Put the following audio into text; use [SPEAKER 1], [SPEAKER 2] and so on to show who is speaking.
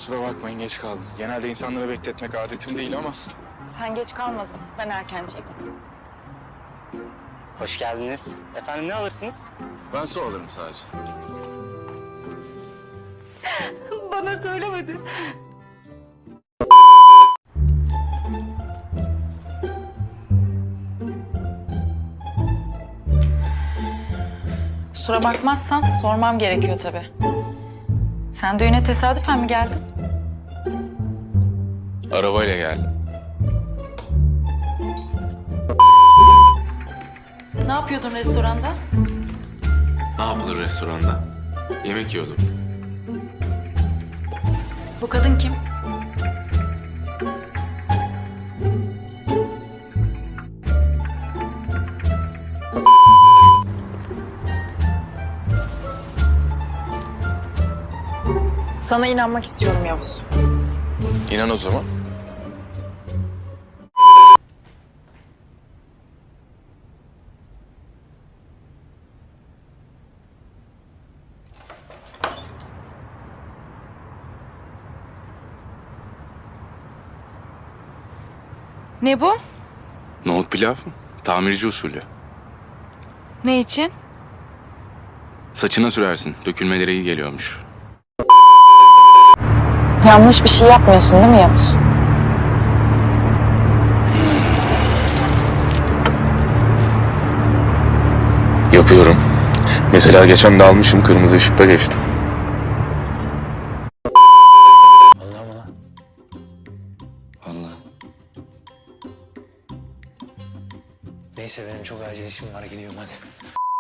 [SPEAKER 1] Kusura bakmayın geç kaldım. Genelde insanları bekletmek adetim değil ama...
[SPEAKER 2] Sen geç kalmadın. Ben erkenciyim.
[SPEAKER 3] Hoş geldiniz. Efendim ne alırsınız?
[SPEAKER 1] Ben su alırım sadece.
[SPEAKER 2] Bana söylemedi. Kusura bakmazsan sormam gerekiyor tabii. Sen düğüne tesadüfen mi geldin?
[SPEAKER 1] Arabayla geldim.
[SPEAKER 2] Ne yapıyordun restoranda?
[SPEAKER 1] Ne yapılır restoranda? Yemek yiyordum.
[SPEAKER 2] Bu kadın kim? Sana inanmak istiyorum Yavuz.
[SPEAKER 1] İnan o zaman.
[SPEAKER 2] Ne bu?
[SPEAKER 1] Nohut pilav, tamirci usulü.
[SPEAKER 2] Ne için?
[SPEAKER 1] Saçına sürersin, dökülmeleri iyi geliyormuş.
[SPEAKER 2] Yanlış bir şey yapmıyorsun değil mi Yavuz?
[SPEAKER 1] Yapıyorum. Mesela geçen de almışım, kırmızı ışıkta geçtim.
[SPEAKER 3] Vallahi mı lan?
[SPEAKER 1] Allah.
[SPEAKER 3] Neyse benim çok acil işim var gidiyorum hadi.